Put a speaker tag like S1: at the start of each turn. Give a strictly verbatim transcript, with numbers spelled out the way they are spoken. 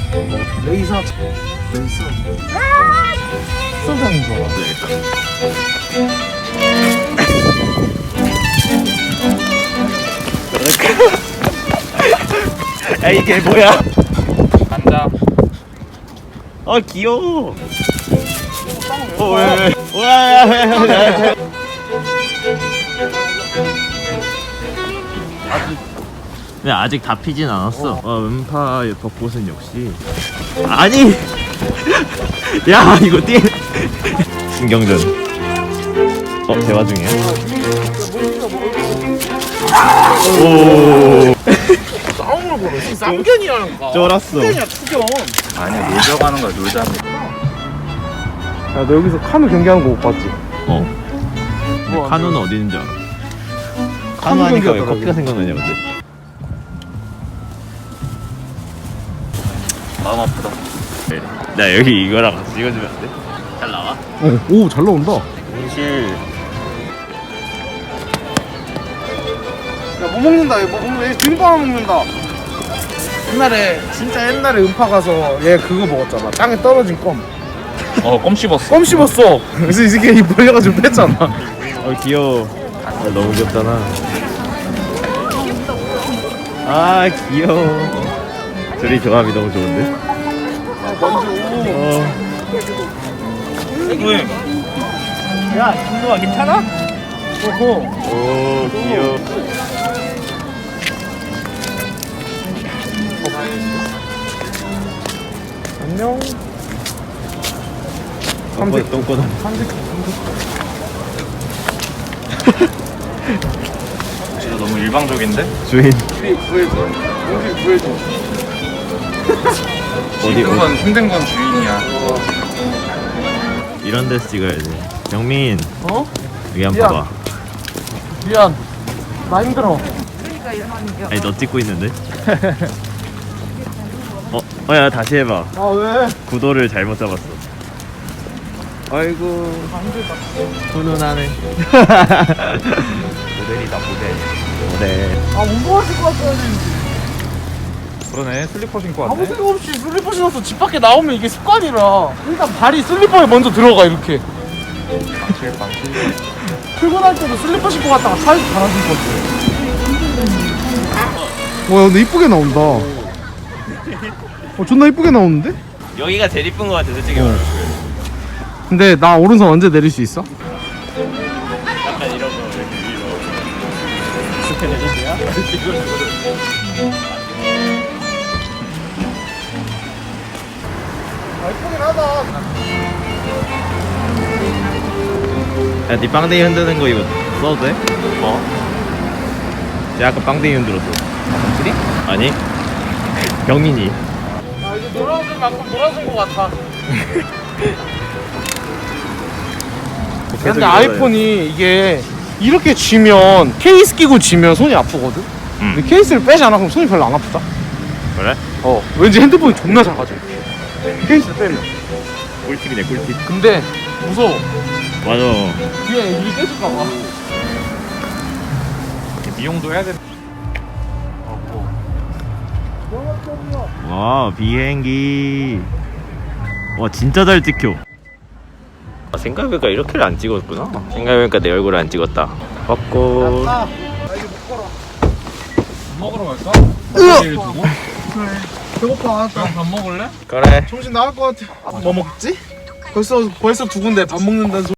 S1: 레이서 레이서 소장인 거 같아.
S2: 야 이게 뭐야?
S3: 간다.
S2: 아 귀여워. 어 왜? 왜? 와. 근데 아직 다 피진 않았어. 어, 음파 벚꽃은 역시 아니. 야 이거 띠. 신경전. 어 대화 중이야. 오.
S1: 싸움을 걸어. 쌍견이라는 거.
S2: 쫄았어.
S1: 투견이야 투견.
S3: 아니야 놀자고 하는 거야 놀자고.
S1: 야 너 여기서 카누 경기하는 거 못 봤지?
S2: 어.
S1: 뭐
S2: 카누는 어디 있는 줄 알아? 카누
S1: 카누
S2: 하니까 왜
S1: 경기하더라고.
S2: 커피가 생각나냐 근데.
S3: 마음 아프다.
S2: 나 여기 이거랑 같이 찍어주면 안 돼? 잘 나와?
S1: 어, 오 잘 나온다.
S2: 현실.
S1: 야 뭐 먹는다. 얘 뭐 먹는다. 얘 등빵 먹는다. 옛날에 진짜 옛날에 음파 가서 얘 그거 먹었잖아. 땅에 떨어진 껌.
S3: 어껌 씹었어.
S1: 껌 씹었어. 그래서 이 새끼 입 벌려가지고 뺐잖아.
S2: 어 귀여워. 아, 너무 귀엽잖아. 아 귀여워. 둘이 조합이 너무 좋은데?
S1: 아 먼저.
S2: 어.
S3: 왜?
S1: 야 김도아 괜찮아? 어허.
S2: 오 귀여워.
S1: 안녕.
S2: 삼색 똥꼬다.
S1: 삼색.
S3: 진짜 너무 일방적인데?
S2: 주인
S1: 우리 구해줘. 우리 구해줘.
S2: 어디
S3: 힘든
S2: 어디
S3: 건 힘든 건 주인이야.
S2: 이런 데서 찍어야지. 영민
S1: 어?
S2: 여기 한번
S1: 미안.
S2: 봐봐.
S1: 미안. 나 힘들어.
S2: 아니 너 찍고 있는데? 어? 어야 다시 해봐.
S1: 아 왜?
S2: 구도를 잘못 잡았어. 아이고 훈훈하네.
S3: 모델이다 모델.
S2: 모델.
S1: 아못 먹었을 것 같아.
S3: 그러네 슬리퍼 신고
S1: 아무
S3: 왔네.
S1: 생각 없이 슬리퍼 신어서 집 밖에 나오면 이게 습관이라 일단 발이 슬리퍼에 먼저 들어가 이렇게.
S3: 방칠 방칠.
S1: 출근할 때도 슬리퍼 신고 갔다가 차에서 갈아 신고 와 근데 이쁘게 나온다. 어 존나 이쁘게 나오는데?
S2: 여기가 제일 이쁜 것 같아 솔직히.
S1: 어. 근데 나 오른손 언제 내릴 수 있어?
S2: 약간 이런 거 이렇게 위로. 이렇게 내리세요?
S1: 아 이쁘긴 하다.
S2: 야, 네 빵댕이 흔드는 거 이거 써도 돼? 어? 내가 아까 빵댕이 흔들었어. 확실히? 아니. 병인이.
S1: 아 이제 놀아줄 만큼 놀아준 것 같아. 근데 아이폰이 이게 이렇게 쥐면 케이스 끼고 쥐면 손이 아프거든?
S2: 음.
S1: 근데 케이스를 빼잖아 그럼 손이 별로 안 아프다?
S2: 그래?
S1: 어 왠지 핸드폰이 존나 작아져 케이스 빼면.
S2: 꿀팁이네 꿀팁.
S1: 근데 무서워.
S2: 맞아.
S1: 뒤에 애들이 깨질까봐.
S3: 미용도 해야 돼.
S2: 와 비행기. 와 진짜 잘 찍혀. 아, 생각해보니까 이렇게를 안 찍었구나. 생각해보니까 내 얼굴을 안 찍었다. 벚꽃.
S1: 나 이제 못 걸어.
S3: 먹으러 갈까? 먹을 두고?
S1: 배고파.
S3: 밥 먹을래?
S2: 그래.
S1: 정신 나갈 것 같아. 뭐 먹지? 벌써 벌써 두 군데 밥 먹는다는 소리.